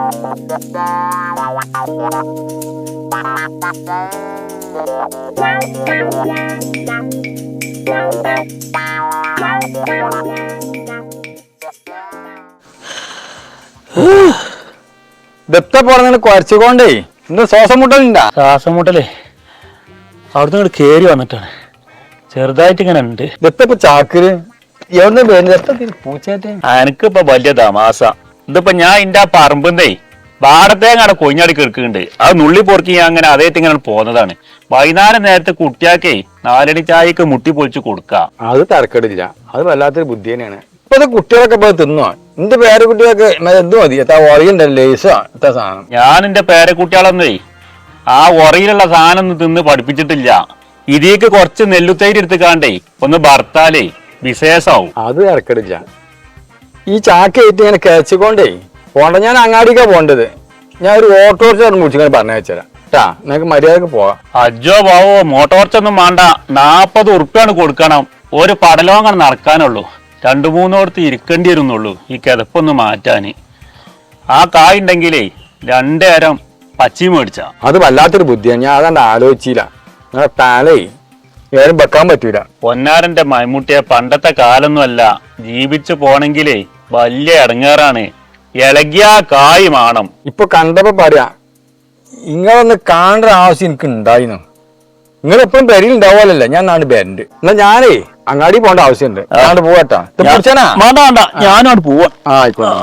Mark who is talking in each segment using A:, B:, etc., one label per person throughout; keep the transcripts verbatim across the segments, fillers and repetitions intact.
A: ദത്ത പറഞ്ഞ കുരച്ചുകൊണ്ടേ ഇന്ന് ശ്വാസം മുട്ടലുണ്ടാ?
B: ശ്വാസം മുട്ടലേ അവിടുന്ന് ഇങ്ങോട്ട് കേറി വന്നിട്ടാണ്, ചെറുതായിട്ട് ഇങ്ങനെ ഉണ്ട്.
A: ദത്തപ്പ ചാക്കര് എവിടുന്ന് പൂച്ചയായിട്ട്
B: എനിക്കിപ്പോ വലിയ തമാസ. ഇതിപ്പോ ഞാൻ ഇന്റെ ആ പറമ്പെന്നേ പാടത്തേങ്ങാണ് കൊഞ്ഞാടി കിടക്കുന്നുണ്ട്. അത് നുള്ളി പൊറുക്കി ഞാൻ അങ്ങനെ അതേറ്റ് ഇങ്ങനെ പോകുന്നതാണ്. വൈകുന്നേരം നേരത്തെ കുട്ടിയാക്കേ നാലണി ചായക്ക് മുട്ടി പൊളിച്ച് കൊടുക്കാം.
A: അത് തരക്കേടില്ല, അത് വല്ലാത്തൊരു ബുദ്ധി തന്നെയാണ്. ഇപ്പൊ കുട്ടികളൊക്കെ ഇപ്പൊ തിന്നോ? എന്റെ പേരെ കുട്ടികൾക്ക് എന്ത് മതി, എത്താ ഒറിയുണ്ടല്ലോ ലേസോ എത്താ സാധനം.
B: ഞാൻ എന്റെ പേരെ കുട്ടികളൊന്നേ ആ ഒറയിലുള്ള സാധനം ഒന്നും തിന്ന് പഠിപ്പിച്ചിട്ടില്ല. ഇതിലേക്ക് കുറച്ച് നെല്ലുത്തൈര് എടുത്തുകാണ്ടേ ഒന്ന് ഭർത്താലേ വിശേഷാവും.
A: അത് തരക്കേടില്ല. ഈ ചാക്കേറ്റ് ഇങ്ങനെ കയച്ചിക്കൊണ്ടേ പോണ്ട. ഞാൻ അങ്ങാടിക്കാ പോണ്ടത്. ഞാൻ ഒരു ഓട്ടോറിക്ഷ മുടിച്ചിങ്ങനെ പറഞ്ഞു വെച്ചരാം ട്ടാ, നിനക്ക് മര്യാദക്ക് പോവാം.
B: അജോ ബാവോ മോട്ടോർച്ചൊന്നും വേണ്ട, നാപ്പത് ഉറുപ്പ്യാണ് കൊടുക്കണം. ഒരു പടലോങ്ങാണ് നടക്കാനുള്ളൂ. രണ്ടു മൂന്നോടത്ത് ഇരിക്കേണ്ടി വരുന്നുള്ളൂ ഈ കിതപ്പൊന്ന് മാറ്റാന്. ആ കായ് ഉണ്ടെങ്കിലേ രണ്ടേരം പച്ചി മേടിച്ച.
A: അത് വല്ലാത്തൊരു ബുദ്ധിയാണ്, ഞാൻ അതാണ്ട് ആലോചിച്ചില്ല. നിങ്ങളെ താലേ ഏതും വെക്കാൻ പറ്റൂല.
B: പൊന്നാരന്റെ മൈമുട്ടിയെ പണ്ടത്തെ കാലൊന്നുമല്ല, ജീവിച്ചു പോണെങ്കിലേ വലിയ ഇടങ്ങേറാണ്. ഇളകിയ കായ് മാണം.
A: ഇപ്പൊ കണ്ടപ്പോ പറയാ ഇങ്ങളൊന്ന് കാണേണ്ട ആവശ്യം എനിക്ക് ഉണ്ടായിരുന്നു. നിങ്ങൾ എപ്പോഴും പെരിയിൽ ഉണ്ടാവുമല്ലോ, ഞാൻ നാട് പേരന്റ്. എന്നാ ഞാനേ അങ്ങാടി പോകേണ്ട ആവശ്യമുണ്ട്. ഞാണ്ട് പോവാട്ടാ.
B: വേണ്ട വേണ്ട, ഞാനോട് പോവാ.
A: ആ ആയിക്കോട്ടെ.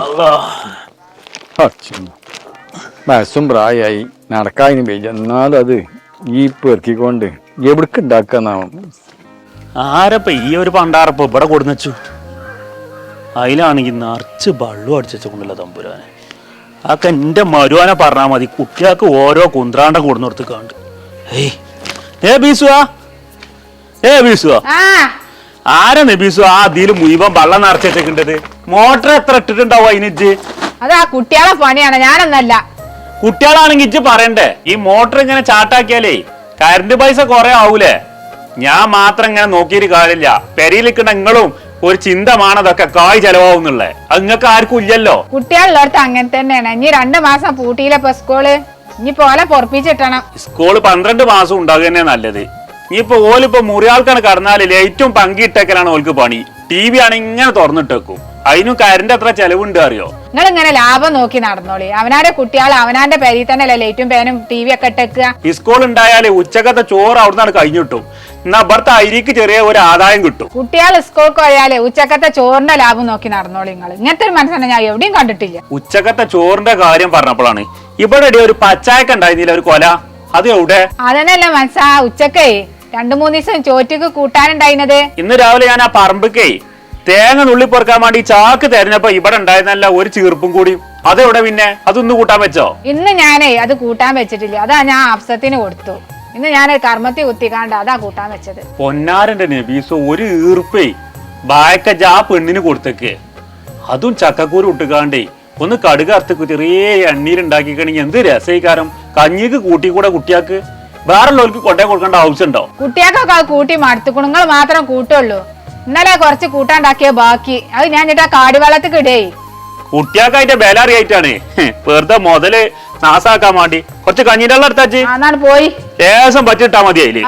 A: ബസ്സും പ്രായമായി നടക്കാതിന് പേജ്, എന്നാലും അത് ഈ പെറുക്കിക്കൊണ്ട് എവിടേക്ക് ഉണ്ടാക്കാന്നാവും.
B: ആരപ്പ ഈ ഒരു പണ്ടാറപ്പ ഇവിടെ കൊടുന്നു. അതിലാണെങ്കിൽ നിറച്ച് വെള്ളം അടിച്ചുകൊണ്ടല്ലോ തമ്പുരാനെ. അതൊക്കെ എന്റെ മരുവാനെ പറഞ്ഞാൽ മതി. കുട്ടികൾക്ക് ഓരോ കുന്ത്രാണ്ടം കൊടുന്നു കൊടുത്ത് കണ്ട്. ഏയ് ഏ ബീസുവാ, ഏ ബീസുവാ, ആരാ നബീസു ആ അതില് മുഴുവൻ വെള്ളം നിറച്ചേണ്ടത്? മോട്ടർ എത്ര ഇട്ടിട്ടുണ്ടാവും അതിനിച്ച്?
C: അതാ കുട്ടികളെ പണിയാണ്, ഞാനൊന്നല്ല.
B: കുട്ടികളാണെങ്കിൽ ഇജ്ജ് പറയണ്ടേ, ഈ മോട്ടർ ഇങ്ങനെ ചാട്ടാക്കിയാലേ കറണ്ട് പൈസ കുറെ ആവൂലേ? ഞാൻ മാത്രം ഇങ്ങനെ നോക്കിയിട്ട് കാര്യമില്ല. പെരയിലിക്കണ നിങ്ങളും ഒരു ചിന്തമാണതൊക്കെ കായ് ചെലവാവുന്നുള്ളേ. അത് നിങ്ങൾക്ക് ആർക്കും ഇല്ലല്ലോ.
C: കുട്ടികളുള്ളടത്ത് അങ്ങനെ തന്നെയാണ്. ഇനി രണ്ടു മാസം പൂട്ടിയില്ലപ്പോ സ്കൂള്. ഇനി പോലെ പൊറപ്പിച്ചിട്ടണം.
B: സ്കൂള് പന്ത്രണ്ട് മാസം ഉണ്ടാകുക തന്നെ നല്ലത്. ഇനിയിപ്പോ ഓലിപ്പോ മുറിയാൾക്കാണ് കടന്നാല് ലൈറ്റും പങ്കിട്ടേക്കലാണ് ഓൾക്ക് പണി. ടി വി ആണ് ഇങ്ങനെ തുറന്നിട്ടേക്കും. അതിനും കറണ്ട് എത്ര ചെലവുണ്ട് അറിയോ?
C: നിങ്ങൾ ഇങ്ങനെ ലാഭം നോക്കി നടന്നോളി. അവനാന്റെ കുട്ടികൾ അവനാന്റെ പേരിൽ തന്നെ അല്ലേ ലൈറ്റും പേനും ടി വി ഒക്കെ ഇട്ടേക്കുക.
B: സ്കൂൾ ഉണ്ടായാലേ ഉച്ചക്കത്തെ ചോറ് അവിടുന്നാണ് കഴിഞ്ഞിട്ടും. എന്നാ ഇവിടുത്തെ അരിക്ക് ചെറിയ ഒരു ആദായം കിട്ടും.
C: കുട്ടികൾ സ്കൂൾക്ക് പോയാലേ ഉച്ചക്കത്തെ ചോറിന്റെ ലാഭം നോക്കി നടന്നോളി. നിങ്ങൾ ഇങ്ങനത്തെ ഒരു മനസ്സാണ് ഞാൻ എവിടെയും കണ്ടിട്ടില്ല.
B: ഉച്ചക്കത്തെ ചോറിന്റെ കാര്യം പറഞ്ഞപ്പോഴാണ് ഇവിടെ ഒരു പച്ചായക്ക ഉണ്ടായിരുന്നില്ല ഒരു കൊല, അത് എവിടെ?
C: അതന്നെയല്ലേ മനസ്സാ ഉച്ചക്കേ രണ്ടു മൂന്ന് ദിവസം ചോറ്റക്ക് കൂട്ടാനുണ്ടായിരുന്നത്.
B: ഇന്ന് രാവിലെ ഞാൻ ആ പറമ്പക്കേ തേങ്ങ നുള്ളി പൊറുക്കാൻ വേണ്ടി ചാക്ക് തെരഞ്ഞപ്പോ ഇവിടെ ഉണ്ടായിരുന്നല്ല ഒരു ചീർപ്പും കൂടി. അതെവിടെ പിന്നെ? അതൊന്ന് കൂട്ടാൻ വെച്ചോ?
C: ഇന്ന് ഞാനേ അത് കൂട്ടാൻ വെച്ചിട്ടില്ല. അതാ ഞാൻ അഫ്സത്തിന് കൊടുത്തു. ഇന്ന് ഞാൻ കർമ്മത്തി കുത്തിക്കാണ്ട് അതാ കൂട്ടാൻ വെച്ചത്.
B: പൊന്നാരന്റെ നബീസോ ഒരു ഈർപ്പേ ബായക്കജ ആ പെണ്ണിന് കൊടുത്തേക്ക്. അതും ചക്കക്കൂര് ഇട്ടുകാണ്ടേ ഒന്ന് കടുക് അറുത്ത് ചെറിയ എണ്ണീരുണ്ടാക്കിക്കണെങ്കിൽ എന്ത് രസീകാരം. കഞ്ഞിക്ക് കൂട്ടി കൂടെ കുട്ടിയാക്ക് വേറെല്ലോർക്ക് കൊണ്ടേ കൊടുക്കേണ്ട ആവശ്യമുണ്ടോ?
C: കുട്ടിയാക്കൊക്കെ അത് കൂട്ടി മടുത്തുക്കണു. നിങ്ങൾ മാത്രം കൂട്ടുള്ളൂ. ഇന്നലെ കുറച്ച് കൂട്ടാണ്ടാക്കിയ ബാക്കി അത് ഞാൻ ചേട്ടാ കാടിവെള്ളത്തിൽ ഇടേ.
B: കുട്ടിയാക്കായിട്ട് ബേലാറിയായിട്ടാണ് വെറുതെ മുതല് നാസാക്കാൻ വേണ്ടി കുറച്ച് കഞ്ഞിന്റെ വെള്ളം എടുത്താച്ച്
C: അന്നാണ് പോയി
B: ലേശം പറ്റിട്ടാ മതി അതില്.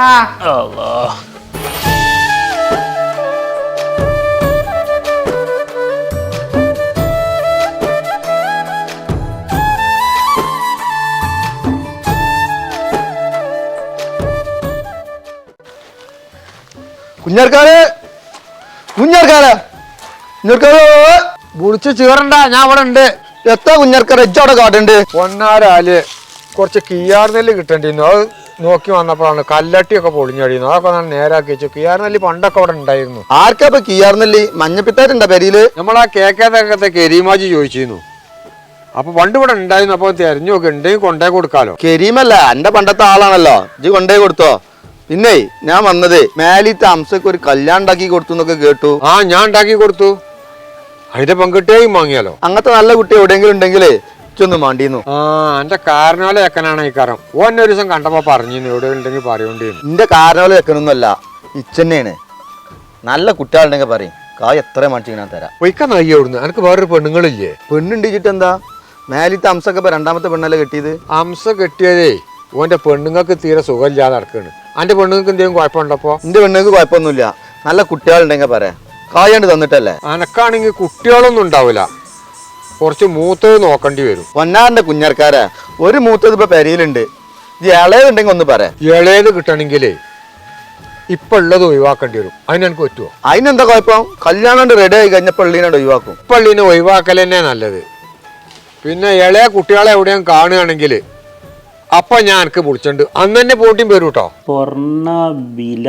A: കുഞ്ഞാർക്കാരെ കുഞ്ഞാർക്കാരെ കുഞ്ഞാർക്കാരെ വിളിച്ച് ചീറണ്ട, ഞാൻ അവിടെ ഉണ്ട്. എത്ര കുഞ്ഞാർക്കാരെ ഇജ്ജവിടെ കാട്ടുണ്ട്?
D: പൊന്നാരാല് കുറച്ച് കിയാർ നെല്ല് കിട്ടേണ്ടിരുന്നു. അത് നോക്കി വന്നപ്പോഴാണ് കല്ലട്ടിയൊക്കെ പൊളിഞ്ഞടിയുന്നു. അതൊക്കെ ഞാൻ നേരാക്കി വെച്ചു. കിയാർ നെല്ല് പണ്ടൊക്കെ അവിടെ ഉണ്ടായിരുന്നു.
A: ആർക്കാ ഇപ്പൊ കിയാർ നെല്ല്? മഞ്ഞപ്പിത്താരുണ്ടോ പെരിയില്?
D: നമ്മളാ കേക്കേതൊക്കെ കെരീമാജി ചോദിച്ചിരുന്നു. അപ്പൊ പണ്ട് ഇവിടെ ഉണ്ടായിരുന്നു. അപ്പൊ തെരഞ്ഞു നോക്കി ഉണ്ടെങ്കിൽ കൊണ്ടേ കൊടുക്കാലോ.
A: കരീമല്ല, എന്റെ പണ്ടത്തെ ആളാണല്ലോ. ഇജ്ജ് കൊണ്ടേ കൊടുത്തോ? പിന്നെ ഞാൻ വന്നത് മേലിത്തെ അംസക്ക് ഒരു കല്യാണം ഉണ്ടാക്കി കൊടുത്തു എന്നൊക്കെ കേട്ടു.
D: ആ ഞാൻ ഉണ്ടാക്കി കൊടുത്തു. അതിന്റെ പങ്കിട്ടേയും വാങ്ങിയാലോ.
A: അങ്ങനത്തെ നല്ല കുട്ടി എവിടെയെങ്കിലും ഉണ്ടെങ്കിലേ ഇച്ചൊന്നും മാണ്ടിന്നു.
D: ആ എന്റെ കാരണോലെ വെക്കനാണ് ഈ കാരം. ഓന്നെ ഒരു ദിവസം കണ്ടപ്പോ പറഞ്ഞിരുന്നു എവിടെ ഉണ്ടെങ്കിൽ പറയോണ്ടിരുന്നു.
A: എന്റെ കാരണോലെ വെക്കണമെന്നല്ല, ഇച്ചന്നെയാണ്. നല്ല കുട്ടികളുണ്ടെങ്കിൽ പറയും കായ് എത്ര മണിച്ച് ഞാൻ തരാം.
D: പൊയ്ക്കാൻ നയ്യ അവിടുന്ന്. എനിക്ക് വേറൊരു പെണ്ണുങ്ങളില്ലേ?
A: പെണ്ണുണ്ടിച്ചിട്ട് എന്താ?
E: മേലിത്തെ അംസൊക്കെ ഇപ്പൊ രണ്ടാമത്തെ പെണ്ണല്ലേ കെട്ടിയത്?
D: അംസ കെട്ടിയതേ ഓന്റെ പെണ്ണുങ്ങൾക്ക് തീരെ സുഖമില്ലാതെ നടക്കാണ്. അന്റെ പെണ്ണുങ്ങൾക്ക് എന്തെങ്കിലും കുഴപ്പമുണ്ടപ്പോ?
E: എന്റെ പെണ്ണുങ്ങൾക്ക് കുഴപ്പമൊന്നുമില്ല. നല്ല കുട്ടികളുണ്ടെങ്കിൽ പറയാം. കായാണ്ട് തന്നിട്ടല്ലേ.
D: അനക്കാണെങ്കിൽ കുട്ടികളൊന്നും ഉണ്ടാവില്ല, കുറച്ച് മൂത്തത് നോക്കേണ്ടി വരും.
E: പൊന്നാറിന്റെ കുഞ്ഞർക്കാരെ ഒരു മൂത്തത് ഇപ്പൊ പെരയിലുണ്ട്. ഇത് ഇളയതുണ്ടെങ്കിൽ ഒന്ന് പറയാം.
D: ഇളയത് കിട്ടണമെങ്കിലേ ഇപ്പൊ ഉള്ളത് ഒഴിവാക്കേണ്ടി വരും. അതിനെനിക്ക് പറ്റുമോ?
E: അതിനെന്താ കുഴപ്പം? കല്യാണം റെഡി ആയി കഴിഞ്ഞ പള്ളീനോട് ഒഴിവാക്കും.
D: പള്ളീനെ ഒഴിവാക്കൽ തന്നെ നല്ലത്. പിന്നെ ഇളയ കുട്ടികളെ എവിടെയും കാണുകയാണെങ്കിൽ അപ്പൊ ഞാൻ എനിക്ക് വിളിച്ചിട്ടുണ്ട്, അന്ന് തന്നെ പോട്ടിയും വരും കേട്ടോ.
B: സ്വർണ്ണ വില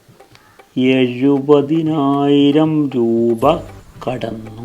B: എഴുപതിനായിരം രൂപ കടന്നു.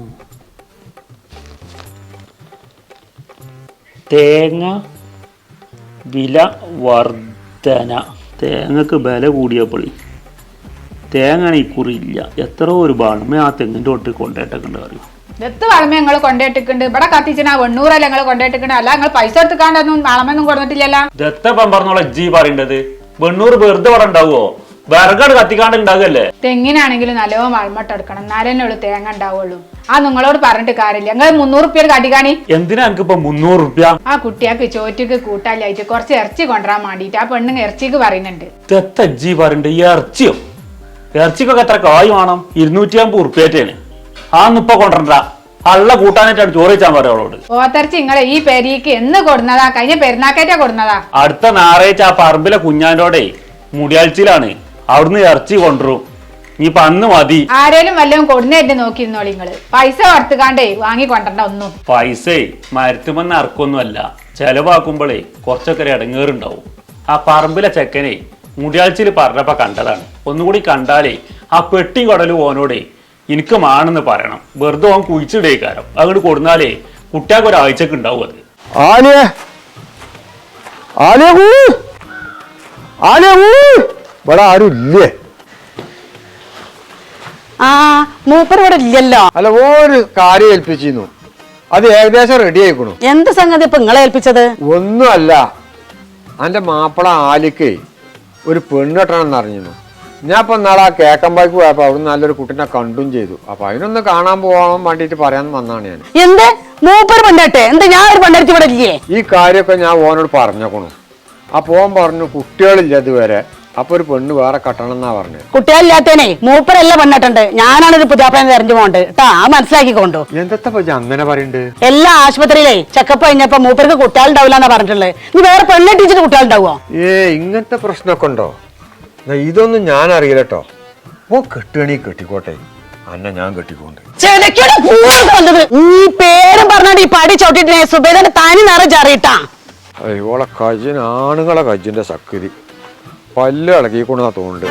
B: തേങ്ങ വില വർധന. തേങ്ങക്ക് വില കൂടിയപ്പോൾ തേങ്ങ ഇക്കുറി ഇല്ല. എത്ര ഒരു ബാണമേ ആ തെങ്ങിൻ്റെ തൊട്ട് കൊണ്ടേട്ടൊക്കെ അറിയും.
C: എത്ത് വളമ ഞങ്ങൾ കൊണ്ടേട്ടിട്ടുണ്ട്. ഇവിടെ കത്തിച്ചിനാ വെണ്ണൂറല്ല ഞങ്ങൾ കൊണ്ടേട്ടിട്ടുണ്ട്. അല്ല ഞങ്ങൾ പൈസ എടുത്തുക്കാണ്ടൊന്നും വളമൊന്നും കൊടുത്തിട്ടില്ലല്ലോ.
B: ദത്തപ്പം പറഞ്ഞോളെ ജി പറയേണ്ടത്. വെണ്ണൂറ് വെറുതെ ഇവിടെ ഉണ്ടാവുമോ? വിറകട് കത്തിക്കാണ്ട് ഉണ്ടാകല്ലേ.
C: തെങ്ങിനാണെങ്കിലും നല്ലോണം വളമട്ട് എടുക്കണം, എന്നാലേ ഉള്ളൂ തേങ്ങ ഉണ്ടാവുള്ളൂ. ആ നിങ്ങളോട് പറഞ്ഞിട്ട് കാര്യമില്ല. ഞങ്ങൾ മുന്നൂറ് റുപ്യ കടിക്കാണി.
B: എന്തിനാ എനിക്കിപ്പോ മുന്നൂറ് റുപ്യ?
C: ആ കുട്ടിയാക്ക് ചോറ്റക്ക് കൂട്ടാലായിട്ട് കുറച്ച് ഇറച്ചി കൊണ്ടുവരാൻ വേണ്ടിട്ട് ആ പെണ്ണുങ്ങ ഇറച്ചിക്ക് പറയുന്നുണ്ട്.
B: ദത്ത ജി പറയണ്ട് ഇറച്ചിയോ? ഇറച്ചിക്കൊക്കെ എത്ര കായ് വേണം? ഇരുന്നൂറ്റി അമ്പത് ഉറുപ്പ്യേറ്റാണ്. ആന്ന് ഇപ്പൊ കൊണ്ടുവരണ്ട. അള്ള കൂട്ടാനായിട്ടാണ് ചോറ് വെച്ചാൻ പറയാം അവളോട്.
C: ഓത്തർച്ചി നിങ്ങളെ ഈ പെരിക്ക് എന്ന് കൊടുന്നതാ? കഴിഞ്ഞ പെരുന്നാക്കേറ്റാ കൊടുന്നതാ.
B: അടുത്ത ഞായറാഴ്ച ആ പറമ്പിലെ കുഞ്ഞാൻ്റോടെ മുടിയാഴ്ചയിലാണ്. അവിടുന്ന് ഇറച്ചി കൊണ്ടുവരും. ഇനിയിപ്പൊ അന്ന് മതി.
C: ആരേലും വല്ലതും കൊടുന്നേറ്റ് നോക്കിയിരുന്നോളി നിങ്ങള്. പൈസ കൊടുത്തുകാണ്ടേ വാങ്ങി കൊണ്ടണ്ട ഒന്നും.
B: പൈസേ മരത്തുമെന്ന് ഇറക്കൊന്നുമല്ല, ചെലവാക്കുമ്പോഴേ കുറച്ചൊക്കെ ഇടങ്ങേറുണ്ടാവും. ആ പറമ്പിലെ ചെക്കനെ മുടിയാഴ്ചയിൽ പറഞ്ഞപ്പോ കണ്ടതാണ്. ഒന്നുകൂടി കണ്ടാലേ ആ പെട്ടി കടലും ഓനോടെ എനിക്ക് മാണെന്ന് പറയണം. വെറുതെ ഓൻ കുഴിച്ചിടേക്കാരം. അങ്ങോട്ട് കൊടുന്നാലേ കുട്ടിയാൾക്ക് ഒരാഴ്ചക്ക് ഉണ്ടാവും അത്.
A: ആലിയ ആലിയ ആലിയ ഇവിടെ ആരും ഇല്ലേ?
F: ആ മൂപ്പർ ഇവിടെ ഇല്ലല്ലോ.
D: അല്ല, ഒരു കാര്യം ഏൽപ്പിച്ചിരുന്നു, അത് ഏകദേശം റെഡി ആയിക്കണു.
F: എന്ത് സംഗതി ഇപ്പൊ നിങ്ങളെ ഏൽപ്പിച്ചത്?
D: ഒന്നുമല്ല, എന്റെ മാപ്പിള ആലിക്കേ ഒരു പെണ്ണെട്ടണമെന്ന് അറിഞ്ഞു. ഞാൻ ഇപ്പൊ നാളെ ആ കേക്കമ്പായ്ക്ക് പോയപ്പോ അവിടെ നല്ലൊരു കുട്ടീനെ കണ്ടും ചെയ്തു. അപ്പൊ അതിനൊന്ന് കാണാൻ പോകാൻ വേണ്ടിട്ട് പറയാൻ വന്നാണ് ഞാൻ.
F: എന്ത് മൂപ്പർ പെണ്ണട്ടെ? എന്താ ഞാൻ ഒരു പെണ്ണെടുത്ത് ഇവിടെ ഇല്ലേ?
D: ഈ കാര്യമൊക്കെ ഞാൻ ഓനോട് പറഞ്ഞേക്കണു. അപ്പൊ ഓൻ പറഞ്ഞു കുട്ടികളില്ല ഇതുവരെ, അപ്പൊ ഒരു പെണ്ണ് വേറെ കെട്ടണം എന്നാ പറഞ്ഞത്.
F: കുട്ടികളില്ലാത്തേനെ മൂപ്പരല്ല പെണ്ണിട്ടുണ്ട്. ഞാനാണൊരു പുതിയാപ്പനെ തെരഞ്ഞു പോകണ്ട് കേട്ടാ. ആ മനസ്സിലാക്കിക്കൊണ്ടു.
D: എന്തൊക്കെ പറ്റി അങ്ങനെ പറയണ്ട്?
F: എല്ലാ ആശുപത്രിയിലേ ചെക്കപ്പ് കഴിഞ്ഞപ്പോ മൂപ്പർക്ക് കുട്ടികളുണ്ടാവില്ല എന്നാ പറഞ്ഞിട്ടുള്ളത്. നീ വേറെ പെണ്ണെട്ടിച്ചിട്ട് കുട്ടികളുണ്ടാവോ?
D: ഏ ഇങ്ങനത്തെ പ്രശ്നമൊക്കെ ഉണ്ടോ? ഇതൊന്നും ഞാൻ അറിയില്ല കേട്ടോ. ഓ കെട്ടുകണി കെട്ടിക്കോട്ടെ, അന്ന ഞാൻ കെട്ടിക്കൊണ്ട്.
F: നീ പേരും പറഞ്ഞാണ്ട് ഈ പടി ചവിട്ടിട്ടേ സുബേദന്റെ തനി നിറച്ചറിയിട്ടാ.
D: ഓളെ കജിൻ ആണുങ്ങളെ കജിന്റെ സക്കരി പല്ല് ഇളകിക്കൊണ്ടാ തോന്നുന്നുണ്ട്.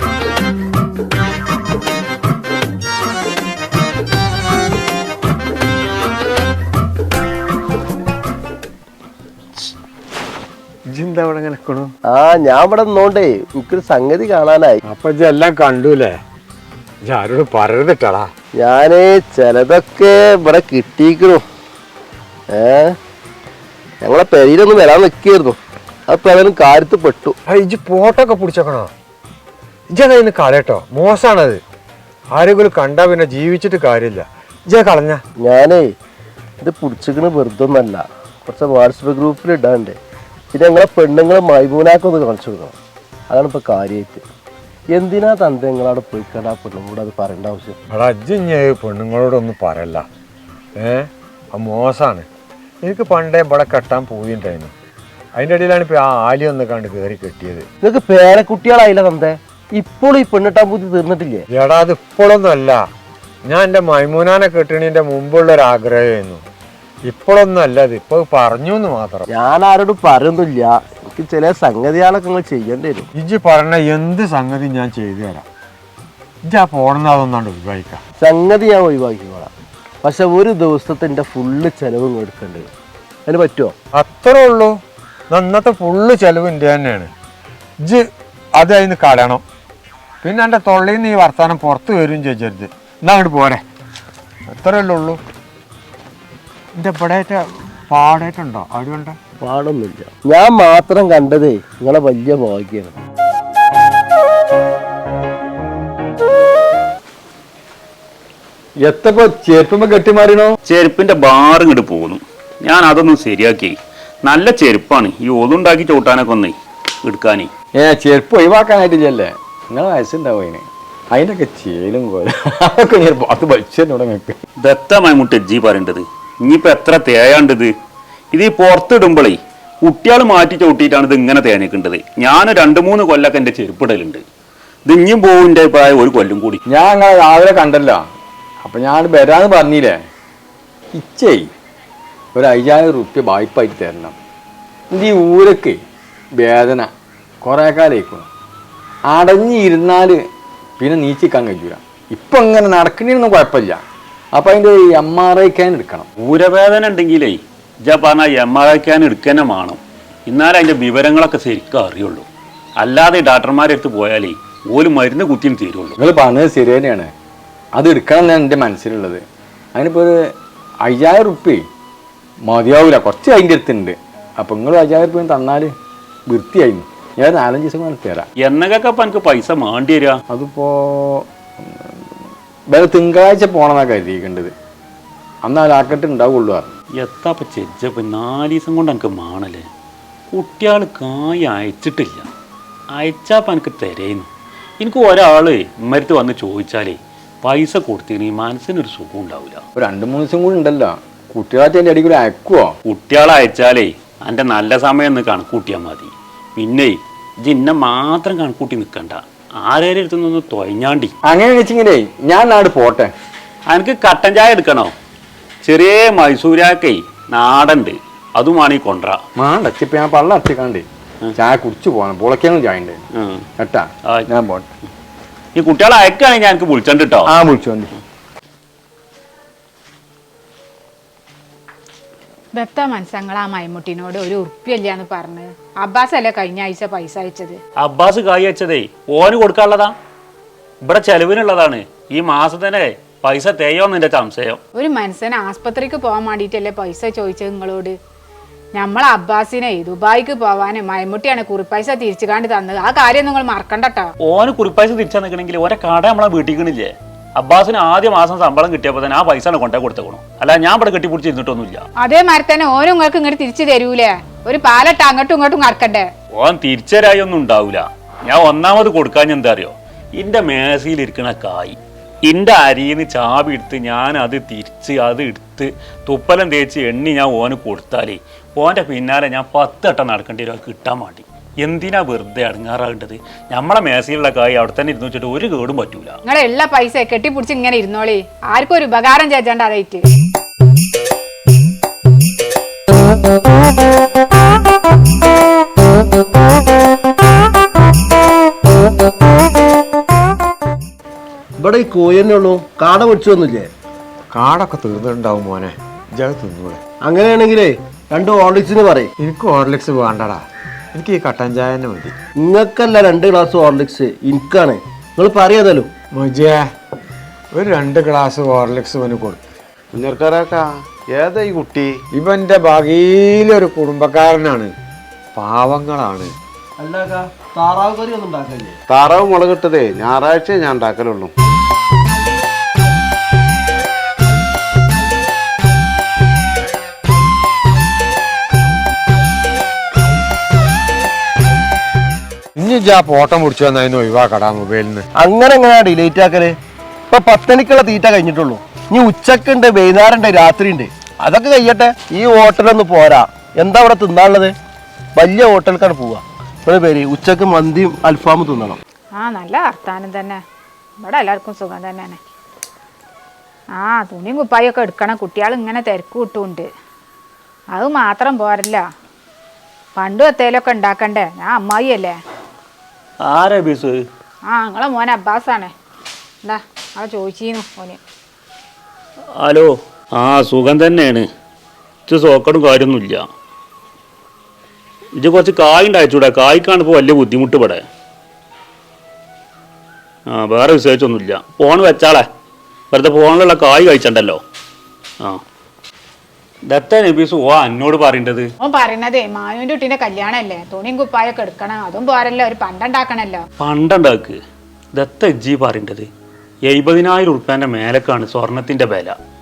D: ഇജ്ജെന്താ ഇവിടെ ഇങ്ങനെ നിക്കണു?
G: ആ ഞാൻ ഇവിടെ നിന്നോണ്ടേ എനിക്കൊരു സംഗതി കാണാനായി.
D: അപ്പൊ ഇജ്ജെല്ലാം കണ്ടൂലേ? ഇജ്ജ് ആരോട് പറയരുതിട്ടാടാ.
G: ഞാന് ചിലതൊക്കെ ഇവിടെ കിട്ടിയിരിക്കണു. ഏ ഞങ്ങളെ പെരയിലൊന്നും വരാൻ നിൽക്കായിരുന്നു. അപ്പൊ അതിനും കാര്യത്ത് പെട്ടു.
D: ഇജ്ജ് പോട്ടൊക്കെ പിടിച്ചേക്കണോ? ഇജ്ജതിന്ന് കളയട്ടോ, മോശമാണത്. ആരെങ്കിലും കണ്ടാ പിന്നെ ജീവിച്ചിട്ട് കാര്യമില്ല. ഇജ്ജ കളഞ്ഞ.
G: ഞാനേ ഇത് പിടിച്ചിക്കണ് വെറുതെ ഒന്നല്ല, കുറച്ച് വാട്സപ്പ് ഗ്രൂപ്പിൽ ഇടാണ്ട്. പിന്നെ ഞങ്ങളെ പെണ്ണുങ്ങളെ മൈമൂനാക്കൊന്ന് കാണിച്ചു കൊടുക്കണം. അതാണ് ഇപ്പൊ കാര്യമായിട്ട്. എന്തിനാ തന്റെ നിങ്ങളവിടെ പോയി കണ്ടാ പെണ്ണുങ്ങളോട് അത് പറയേണ്ട ആവശ്യം?
D: എടാ ഇജ്ജ് ഇഞ്ഞ് പെണ്ണുങ്ങളോടൊന്നും പറയല്ല. ഏ ആ മോശമാണ്. എനിക്ക് പണ്ടേ ഇവിടെ കെട്ടാൻ പോയിണ്ടായിരുന്നു. അതിൻ്റെ ഇടയിലാണ് ഇപ്പൊ ആ ആലി ഒന്ന് കണ്ട് കയറി കെട്ടിയത്.
G: നിങ്ങൾക്ക് പേരക്കുട്ടികളായില്ല തന്റെ. ഇപ്പോഴും ഈ പെണ്ണിട്ടാൻ പൂതി തീർന്നിട്ടില്ലേ?
D: എടാ അത് ഇപ്പോഴൊന്നും അല്ല. ഞാൻ എൻ്റെ മൈമൂനാനെ കെട്ടണീൻ്റെ മുമ്പുള്ളൊരു ആഗ്രഹമായിരുന്നു. ഇപ്പോഴൊന്നും അല്ല, അത് ഇപ്പൊ പറഞ്ഞു എന്ന് മാത്രം.
G: ഞാൻ ആരോടും പറയുന്നില്ല. എനിക്ക് ചില സംഗതികളൊക്കെ നിങ്ങൾ ചെയ്യേണ്ടി വരും.
D: ഇജ്ജ് പറഞ്ഞ എന്ത് സംഗതി ഞാൻ ചെയ്തു തരാം. ഇജ്ജ് ആ പോണെന്ന് അതൊന്നാണ്ട് ഒഴിവാക്കാം.
G: സംഗതി ഞാൻ ഒഴിവാക്കിക്കോളാം. പക്ഷെ ഒരു ദിവസത്തെ എൻ്റെ ഫുള്ള് ചെലവും എടുക്കേണ്ടി വരും. അതിന് പറ്റുമോ?
D: അത്രേ ഉള്ളൂ. ഇന്നത്തെ ഫുള്ള് ചെലവ് എൻ്റെ തന്നെയാണ്. ഇജ്ജ് അത് അതിന് കളയണം. പിന്നെ എൻ്റെ തൊള്ളിൽ നിന്ന് ഈ വർത്താനം പുറത്ത് വരും ചോദിച്ചരുത്. എന്നാ അങ്ങോട്ട് പോരെ, അത്രയല്ലേ ഉള്ളൂ. എൻ്റെ ഇവിടെ പാടായിട്ടുണ്ടോ? അവിടെ
G: പാടൊന്നുമില്ല. ഞാൻ മാത്രം കണ്ടതേ നിങ്ങളെ വലിയ ഭാഗ്യമാണ്.
A: എത്തപ്പോ ചെരുപ്പുമ്പോ കെട്ടിമാറിയണോ?
B: ചെരുപ്പിന്റെ ബാർ ഇങ്ങോട്ട് പോകുന്നു. ഞാൻ അതൊന്നും ശരിയാക്കി. നല്ല ചെരുപ്പാണ് ഈ ഓതുണ്ടാക്കി ചവിട്ടാനൊക്കെ ഒന്ന് എടുക്കാനേ.
A: ഏ ചെരുപ്പ് ഒഴിവാക്കാനായിട്ടില്ലല്ലേ? നിങ്ങളെ വയസ്സുണ്ടാവും അതിന്. അതിനൊക്കെ ചേലും പോലെ അതൊക്കെ ഞാൻ പത്ത് വലിച്ചെന്നോട് നിങ്ങൾക്ക്.
B: ദത്തമായി മുട്ട് എജ്ജി പറയേണ്ടത്. ഇനിയിപ്പോൾ എത്ര തേയാണ്ടത്. ഇത് ഈ പുറത്തിടുമ്പോഴേ കുട്ടികൾ മാറ്റി ചവിട്ടിയിട്ടാണ് ഇത് ഇങ്ങനെ തേനേക്കേണ്ടത്. ഞാൻ രണ്ട് മൂന്ന് കൊല്ലൊക്കെ എൻ്റെ ചെരുപ്പിടലുണ്ട്. ഇത് ഇനിയും പോകുൻ്റെ പ്രായം ഒരു കൊല്ലം കൂടി.
A: ഞാൻ അങ്ങനെ രാവിലെ കണ്ടല്ലോ. അപ്പം ഞാൻ വരാന്ന് പറഞ്ഞില്ലേ. ഇച്ചേ ഒരു അയ്യായിരം റുപ്യ വായ്പായിട്ട് തരണം. ഇത് ഈ ഊരക്ക് വേദന കുറേ കാലമായിക്കണം. അടഞ്ഞിരുന്നാൽ പിന്നെ നീച്ചിക്കാൻ കഴിയൂല. ഇപ്പം ഇങ്ങനെ നടക്കണേനൊന്നും കുഴപ്പമില്ല. അപ്പം അതിൻ്റെ എം ആർ ഐ ക്യാൻ എടുക്കണം.
B: ഊരവേദന ഉണ്ടെങ്കിലേ ഇജ പറഞ്ഞാൽ എം ആർ ഐ ക്യാൻ എടുക്കന്നെ വേണം. എന്നാലേ അതിൻ്റെ വിവരങ്ങളൊക്കെ ശരിക്കും അറിയുള്ളൂ. അല്ലാതെ ഡോക്ടർമാരെ അടുത്ത് പോയാലേ ഓല് മരുന്ന് കുത്തിയും തീരുള്ളൂ.
A: നിങ്ങൾ പറഞ്ഞത് ശരി തന്നെയാണ്. അത് എടുക്കണം എന്നാണ് എൻ്റെ മനസ്സിലുള്ളത്. അതിനിപ്പോൾ ഒരു അയ്യായിരം റുപ്യ മതിയാവില്ല. കുറച്ച് അതിൻ്റെ അടുത്തുണ്ട്. അപ്പം നിങ്ങൾ അയ്യായിരം റുപ്യ തന്നാൽ വൃത്തിയായിരുന്നു. ഞാൻ നാലഞ്ച് ദിവസം കൊണ്ട് തരാം.
B: എന്നൊക്കെ അപ്പം എനിക്ക് പൈസ മാണ്ടി തരാ?
A: അതിപ്പോൾ വേറെ തിങ്കളാഴ്ച പോകണമെന്നാണ് കരുതിയിരിക്കേണ്ടത്. അന്ന് ആ ലാക്കറ്റ് ഉണ്ടാവുള്ളൂ.
B: എത്താപ്പ ചെജ്ജപ്പം നാല് ദിവസം കൊണ്ട് എനിക്ക് മാണല്ലേ. കുട്ടികൾ കായ് അയച്ചിട്ടില്ല. അയച്ചാപ്പം എനിക്ക് തരേന്നു. എനിക്ക് ഒരാൾ ഇമ്മരത്ത് വന്ന് ചോദിച്ചാലേ പൈസ കൊടുത്തിന് മനസ്സിനൊരു സുഖം ഉണ്ടാവില്ല.
A: ഒരു രണ്ട് മൂന്ന് ദിവസം കൂടി ഉണ്ടല്ലോ. കുട്ടികളായിട്ട് എൻ്റെ അടിയിൽ അയക്കുവോ?
B: കുട്ടികളെ അയച്ചാലേ എൻ്റെ നല്ല സമയം ഒന്ന് കണക്കൂട്ടിയാൽ മതി. പിന്നെ ജിന്നെ മാത്രം കണക്കൂട്ടി നിൽക്കണ്ട. ആരേലും അടുത്തുനിന്ന് തൊയഞ്ഞാണ്ടി.
A: അങ്ങനെ വെച്ചിങ്ങനെ ഞാൻ നാട് പോട്ടെ.
B: എനിക്ക് കട്ടൻ ചായ എടുക്കണോ? ചെറിയ മൈസൂരാക്കേ നാടുണ്ട്, അതുമാണ് ഈ കൊണ്ട.
A: മാണ്ട ഇപ്പം ഞാൻ പള്ളം അടച്ചിക്കാണ്ട് ചായ കുടിച്ചു പോകണം. പൊളക്കാനും ചായ ഉണ്ട് കേട്ടാ. ഞാൻ പോട്ടെ.
B: ഈ കുട്ടികളെ അയക്കുകയാണെങ്കിൽ ഞാൻ എനിക്ക് വിളിച്ചോണ്ട് കേട്ടോ.
A: ആ വിളിച്ചോണ്ട്.
C: ദത്ത മനസ്സങ്ങൾ ആ മൈമുട്ടിനോട് ഒരു ഉറുപ്പിയല്ലാന്ന് പറഞ്ഞ് അബ്ബാസ് അല്ലേ കഴിഞ്ഞ ആഴ്ച പൈസ അയച്ചത്?
B: അബ്ബാസ് കായ് അയച്ചതേ ഓന് കൊടുക്കാനുള്ളതാ. ഇവിടെ ചെലവിനുള്ളതാണ്. ഈ മാസത്തിനെ പൈസ തേയോന്ന് എന്റെ സംശയം.
C: ഒരു മനുഷ്യന് ആസ്പത്രിക്ക് പോകാൻ വേണ്ടിയിട്ടല്ലേ പൈസ ചോദിച്ചത് നിങ്ങളോട്? നമ്മൾ അബ്ബാസിനെ ദുബായിക്ക് പോവാന് മൈമുട്ടിയാണ് കുറിപ്പൈസ തിരിച്ചു കാണ്ടി തന്നത്. ആ കാര്യം നിങ്ങൾ മറക്കണ്ടട്ടോ.
B: ഓന് കുറിപ്പൈസ തിരിച്ചു നിൽക്കണമെങ്കിൽ ഓരോ കട നമ്മളെ വീട്ടിക്കണില്ലേ? അബ്ബാസിന് ആദ്യ മാസം ശമ്പളം കിട്ടിയപ്പോൾ തന്നെ ആ പൈസ കൊണ്ടേ കൊടുത്തേക്കണം. അല്ല ഞാൻ ഇവിടെ കെട്ടിപ്പിടിച്ചിരുന്നിട്ടൊന്നുമില്ല.
C: അതേമാതിരി തന്നെ ഓനും നിങ്ങൾക്ക് ഇങ്ങോട്ട് തിരിച്ചു തരൂലേ? ഒരു പാലട്ട് അങ്ങോട്ടും ഇങ്ങോട്ടും കറക്കണ്ടേ?
B: ഓൻ തിരിച്ചരായി ഒന്നും ഉണ്ടാവില്ല. ഞാൻ ഒന്നാമത് കൊടുക്കാൻ എന്താ അറിയോ? ഇന്റെ മേശയിലിരിക്കണ കായ് ഇന്റെ അരിന്ന് ചാവി എടുത്ത് ഞാൻ അത് തിരിച്ച് അത് എടുത്ത് തുപ്പലം തേച്ച് എണ്ണി ഞാൻ ഓന് കൊടുത്താലേ ഓൻ്റെ പിന്നാലെ ഞാൻ പത്ത് വട്ടം നടക്കേണ്ടി വരും കിട്ടാൻ വേണ്ടി. എന്തിനാ വെറുതെ അടങ്ങാറാകേണ്ടത്? നമ്മളെ മേശയിലുള്ള കായ് അവിടെ തന്നെ ഇരുന്ന് വെച്ചിട്ട് ഒരു കേടും പറ്റൂല.
C: നിങ്ങളെ എല്ലാ പൈസ കെട്ടിപ്പിടിച്ച് ഇങ്ങനെ ഇരുന്നോളി. ആർക്കും ഒരു ഉപകാരം ചേച്ചാണ്ട് അതായിട്ട്.
G: ഇവിടെ ഈ കോയന്നെ ഉള്ളൂ, കാട പൊടിച്ചൊന്നുമില്ലേ?
D: കാടൊക്കെ തീർന്നിട്ടുണ്ടാവും മോനെ. ജഗ തിന്നൂടെ.
G: അങ്ങനെയാണെങ്കിലേ രണ്ട് ഹോർലിക്സിന് പറയും.
D: എനിക്ക് ഹോർലിക്സ് വേണ്ടടാ. എനിക്ക് ഈ കട്ടൻ ചായ തന്നെ മതി.
G: നിങ്ങൾക്കല്ല രണ്ട് ഗ്ലാസ് ഹോർലിക്സ്, എനിക്കാണ്. നിങ്ങൾ പറയാതല്ലോ
D: മൊജേ ഒരു രണ്ട് ഗ്ലാസ് ഹോർലിക്സ് ഇവന് കൊടുത്തു.
E: കുഞ്ഞർക്കാരാക്കാ ഏതാ ഈ കുട്ടി?
D: ഇവന്റെ ഭാഗിയിലൊരു കുടുംബക്കാരനാണ്. പാവങ്ങളാണ്.
G: അല്ല താറാവ് കറി ഒന്നും ഉണ്ടാക്കല്ലേ?
E: താറാവ് മുളകിട്ടതേ ഞായറാഴ്ച ഞാൻ ഉണ്ടാക്കലുള്ളൂ.
D: ഇനി ആ പോട്ടം മുടിച്ചു വന്നതിന് ഒഴിവാക്കടാ മൊബൈലിൽ നിന്ന്.
G: അങ്ങനെ എങ്ങനെയാ ഡിലേറ്റ് ആക്കല്? ഇപ്പൊ പത്തണിക്കുള്ള തീറ്റ കഴിഞ്ഞിട്ടുള്ളൂ. ഇനി ഉച്ചക്കുണ്ട്, വൈകുന്നേരം ഉണ്ട്, രാത്രി ഉണ്ട്. അതൊക്കെ കഴിയട്ടെ. ഈ ഹോട്ടലൊന്നും പോരാ. എന്താ ഇവിടെ തിന്നാനുള്ളത്? വലിയ ഹോട്ടലിലേക്കാണ് പോവുക. ഇവിടെ പേര് ഉച്ചക്ക് മന്തിയും അൽഫാമും തിന്നണം.
C: ആ നല്ല വർത്താനം തന്നെ. ഇവിടെ എല്ലാവർക്കും സുഖം തന്നെയാണ്. ആ തുണിയും കുപ്പായൊക്കെ എടുക്കണം. കുട്ടികൾ ഇങ്ങനെ തിരക്ക് കിട്ടുന്നുണ്ട്. അത് മാത്രം പോരല്ല, പണ്ടും എത്തേലൊക്കെ ഉണ്ടാക്കണ്ടേ? ഞാൻ അമ്മായി അല്ലേ.
B: ആരാ ബീസ്?
C: ആ നിങ്ങളെ മോൻ അബ്ബാസാണ്. എന്താ ആ ചോദിച്ചിരുന്നു മോന്.
B: ഹലോ. ആ സുഖം തന്നെയാണ്. ഇത് സോക്കടും കാര്യമൊന്നുമില്ല. ഇത് കുറച്ച് കായ് ഉണ്ടായിച്ചൂടെ? കായ്ക്കാണ് ഇപ്പോൾ വലിയ ബുദ്ധിമുട്ട് ഇവിടെ. ആ വേറെ വിശേഷിച്ചൊന്നുമില്ല. ഫോൺ വെച്ചാളെ, വെറുതെ ഫോണിലുള്ള കായ് കഴിച്ചണ്ടല്ലോ. ആ ദത്ത നബീസ് ഓ എന്നോട് പറയേണ്ടത്.
C: ഓൻ പറയണതേ മാനുവിന്റെ കുട്ടീന്റെ കല്യാണല്ലേ, തുണിയും കുപ്പായൊക്കെ എടുക്കണം. അതും പോരല്ലോ, ഒരു പണ്ടുണ്ടാക്കണല്ലോ.
B: പണ്ടുണ്ടാക്ക്. ദത്ത എജ്ജി പറയേണ്ടത് എഴുപതിനായിരം ഉറുപ്പ്യൻ്റെ മേലക്കാണ് സ്വർണത്തിൻ്റെ വില.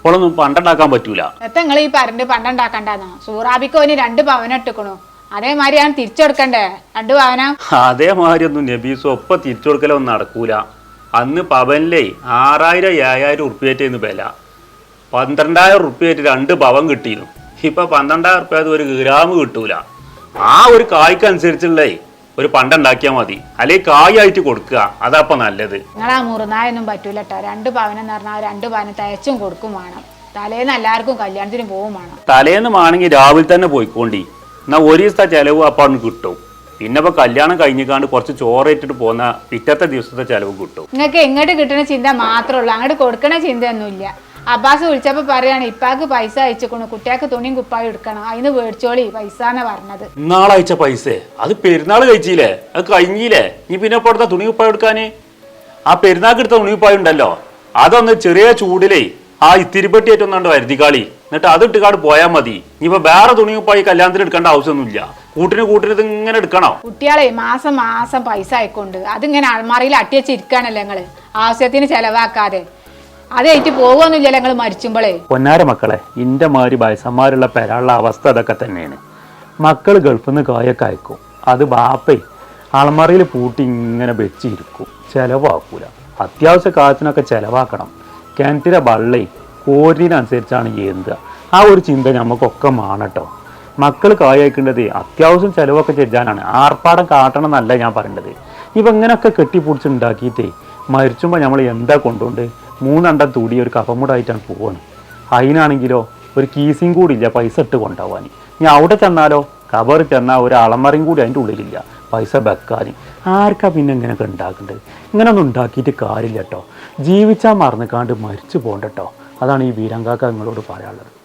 B: ഇപ്പോഴൊന്നും പണ്ടുണ്ടാക്കാൻ പറ്റൂല.
C: എത്ര നിങ്ങൾ ഈ പറഞ്ഞിട്ട് പണ്ടുണ്ടാക്കണ്ടെന്നോ? സൂറാബിക്ക് ഓന് രണ്ട് പവനം ഇട്ടിക്കണു, അതേമാതിരി ഞാൻ തിരിച്ചെടുക്കണ്ടേ രണ്ട് പവനം?
B: അതേമാതിരി ഒന്നും നബീസ് ഒപ്പം തിരിച്ചു കൊടുക്കലൊന്നും നടക്കൂല. അന്ന് പവനിലേ ആറായിരം ഏഴായിരം ഉറുപ്പ്യേറ്റായിരുന്നു വില. പന്ത്രണ്ടായിരം ഉറുപ്പ്യായിട്ട് രണ്ട് പവൻ കിട്ടിയിരുന്നു. ഇപ്പൊ പന്ത്രണ്ടായിരം ഉറുപ്പ്യ ഒരു ഗ്രാം കിട്ടൂല. ആ ഒരു കായ്ക്കനുസരിച്ചുള്ളേ ഒരു പണ്ടുണ്ടാക്കിയാൽ മതി, അല്ലെങ്കിൽ കായായിട്ട് കൊടുക്കുക, അതാപ്പ നല്ലത്.
C: നിങ്ങളാ മുറുനായൊന്നും പറ്റൂല കേട്ടോ. രണ്ട് പവനം എന്ന് പറഞ്ഞാൽ രണ്ട് പവനം തയ്ച്ചും കൊടുക്കും വേണം. തലേന്ന് എല്ലാവർക്കും കല്യാണത്തിന് പോവും വേണം.
B: തലേന്ന് ആണെങ്കിൽ രാവിലെ തന്നെ പോയിക്കോണ്ടി, എന്നാ ഒരു ദിവസത്തെ ചെലവ് അപ്പം അവിടെ കിട്ടും. പിന്നെ ഇപ്പൊ കല്യാണം കഴിഞ്ഞിക്കാണ്ട് കുറച്ച് ചോറേറ്റിട്ട് പോകുന്ന പിറ്റത്തെ ദിവസത്തെ ചെലവ് കിട്ടും.
C: നിങ്ങൾക്ക് എങ്ങോട്ട് കിട്ടുന്ന ചിന്ത മാത്രമേ ഉള്ളൂ, അങ്ങോട്ട് കൊടുക്കണ ചിന്തയൊന്നുമില്ല. അബ്ബാസ് വിളിച്ചപ്പോ പറയാണ് ഇപ്പാക്ക് പൈസ അയച്ചിക്കണു, കുട്ടിയാൾക്ക് തുണിയും കുപ്പായും എടുക്കണം, അതിന് മേടിച്ചോളി പൈസ എന്നാ പറഞ്ഞത്.
B: നാളയച്ച പൈസ അത് പെരുന്നാൾ കഴിച്ചില്ലേ, അത് കഴിഞ്ഞില്ലേ, നീ പിന്നെ ഇപ്പൊ എടുത്ത തുണി കുപ്പായം എടുക്കാന്? ആ പെരുന്നാൾക്ക് എടുത്ത തുണി കുപ്പായം ഉണ്ടല്ലോ, അതൊന്ന് ചെറിയ ചൂടിലേ ആ ഇത്തിരിപ്പെട്ടിയേറ്റൊന്നാണ്ട് വരുത്തിക്കാളി, എന്നിട്ട് അത് ഇട്ടുകാട് പോയാൽ മതി. ഇനിയിപ്പോ വേറെ തുണി കുപ്പായി കല്യാണത്തിന് എടുക്കേണ്ട ആവശ്യമൊന്നുമില്ല. കൂട്ടിന് കൂട്ടിന് ഇത് ഇങ്ങനെ എടുക്കണോ?
C: കുട്ടികളെ മാസം മാസം പൈസ അയക്കൊണ്ട് അതിങ്ങനെ അൾമാറിയിൽ അട്ടിയച്ചിരിക്കാണല്ലോ നിങ്ങള്, ആവശ്യത്തിന് ചെലവാക്കാതെ. അതേറ്റ് പോകുമൊന്നുമില്ല ഞങ്ങൾ മരിച്ചുമ്പോളേ.
B: പൊന്നാര മക്കളെ, ഇന്റെ മാതിരി വയസ്സന്മാരുള്ള പെരാളുള്ള അവസ്ഥ അതൊക്കെ തന്നെയാണ്. മക്കൾ ഗൾഫിൽ നിന്ന് കായൊക്കെ അയക്കും, അത് ബാപ്പേ അളമറയിൽ പൂട്ടി ഇങ്ങനെ വെച്ചിരിക്കും, ചിലവാക്കൂല. അത്യാവശ്യ കാര്യത്തിനൊക്കെ ചിലവാക്കണം. കിണറ്റിലെ വള്ളേ കോരിനനുസരിച്ചാണ് എന്തുക, ആ ഒരു ചിന്ത നമുക്കൊക്കെ മാണട്ടോ. മക്കൾ കായക്കേണ്ടത് അത്യാവശ്യം ചിലവൊക്കെ ചെയ്യാനാണ്, ആർപ്പാടം കാട്ടണം എന്നല്ല ഞാൻ പറയേണ്ടത്. ഇപ്പം ഇങ്ങനെയൊക്കെ കെട്ടിപ്പൊടിച്ചുണ്ടാക്കിയിട്ടേ മരിച്ചുമ്പോൾ നമ്മൾ എന്താ കൊണ്ടുകൊണ്ട് മൂന്നെണ്ണം തൂടി ഒരു കഫമുടായിട്ടാണ് പോവാണ്. അതിനാണെങ്കിലോ ഒരു കീസിയും കൂടി ഇല്ല പൈസ ഇട്ട് കൊണ്ടുപോകാൻ. ഇനി അവിടെ ചെന്നാലോ കബറിൽ ചെന്നാൽ ഒരു അളമറയും കൂടി അതിൻ്റെ ഉള്ളിലില്ല പൈസ വെക്കാൻ. ആർക്കാ പിന്നെ ഇങ്ങനെയൊക്കെ ഉണ്ടാക്കേണ്ടത്? ഇങ്ങനെയൊന്നും ഉണ്ടാക്കിയിട്ട് കാര്യമില്ല കേട്ടോ. ജീവിച്ചാൽ മറന്നുകാണ്ട് മരിച്ചു പോകണ്ട കേട്ടോ. അതാണ് ഈ വീരങ്കാക്ക നിങ്ങളോട് പറയാനുള്ളത്.